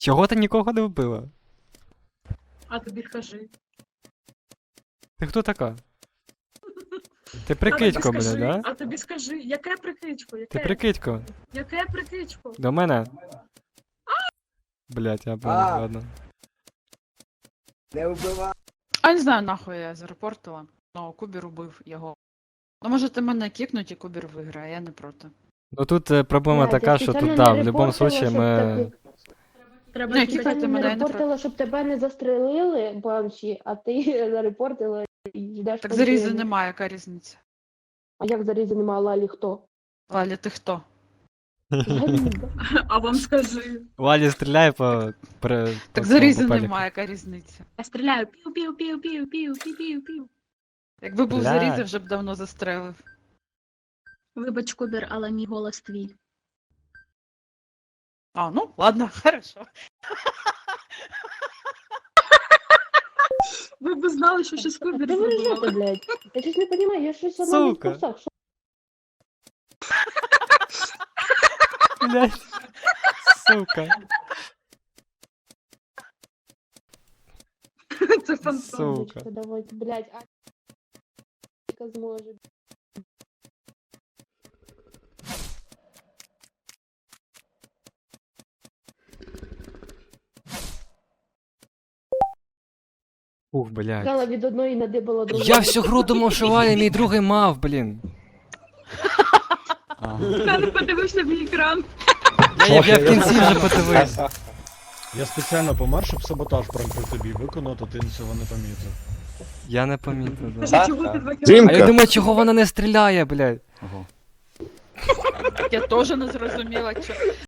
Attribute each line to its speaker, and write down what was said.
Speaker 1: Чого ти нікого не вбила?
Speaker 2: А тобі скажи.
Speaker 1: Ти хто така? Ти прикидько мене,
Speaker 2: скажи,
Speaker 1: да?
Speaker 2: А тобі скажи, яке прикидько?
Speaker 1: Ти прикидько.
Speaker 2: Яке прикидько?
Speaker 1: До мене? Блять, я понял, ладно.
Speaker 3: Не вбивай.
Speaker 4: А не знаю, нахуй я зарепортила. Ну, Кубір убив його. Ну, можете мене кікнуть і Кубір виграє, я не проти.
Speaker 1: Ну тут проблема
Speaker 5: Блядь,
Speaker 1: така,
Speaker 5: я
Speaker 1: що тут,
Speaker 5: спеціально
Speaker 1: да,
Speaker 5: не
Speaker 1: в будь-якому
Speaker 5: репортила,
Speaker 1: случае
Speaker 5: щоб
Speaker 1: ми...
Speaker 2: Треба
Speaker 4: Ні,
Speaker 2: кидати.
Speaker 4: кікайте
Speaker 5: Я не
Speaker 4: мене, я не проти.
Speaker 5: репортила, щоб тебе не застрелили, банші, а ти зарепортила і ждеш.
Speaker 4: Так
Speaker 5: коли
Speaker 4: зарізи
Speaker 5: ти-
Speaker 4: немає, яка різниця?
Speaker 5: А як зарізи немає Лалі хто?
Speaker 4: Лалі, ти хто?
Speaker 5: Заліза.
Speaker 2: А вам скажи.
Speaker 1: Валі стріляє по...
Speaker 4: Так зарізи немає, яка різниця?
Speaker 2: Я стріляю. Пів-пів-пів-пів-пів-пів-пів-пів.
Speaker 4: Якби був
Speaker 1: Блядь.
Speaker 4: зарізи, вже б давно застрелив.
Speaker 2: Вибач, Кубір, але мій голос твій.
Speaker 4: А, ну, ладно, хорошо.
Speaker 2: Ви б знали, що щось Кубір
Speaker 5: Де ви ржете,
Speaker 2: зробила.
Speaker 5: блядь? Я щось не розумію, я щось сама не в
Speaker 1: Сука.
Speaker 5: курсах. Що?
Speaker 1: Блять. Сука.
Speaker 2: Це фантом.
Speaker 1: Сука.
Speaker 5: Сука. Давайте, блядь, а зможе.
Speaker 1: Ух, блядь.
Speaker 5: Сказала від одної надибала другу.
Speaker 1: Я всю гру думав, що Валя мій другий мав, блін.
Speaker 2: Я не подивився в екран.
Speaker 1: Я в кінці вже подивився.
Speaker 6: Я спеціально помер, щоб саботаж прям при тобі виконати, ти цього не помітив.
Speaker 1: Я не помітив, да.
Speaker 2: Скажи, чого ти 2
Speaker 1: А
Speaker 2: кілометри?
Speaker 1: я думаю, чого вона не стріляє, блядь.
Speaker 4: Я теж не зрозуміла, що.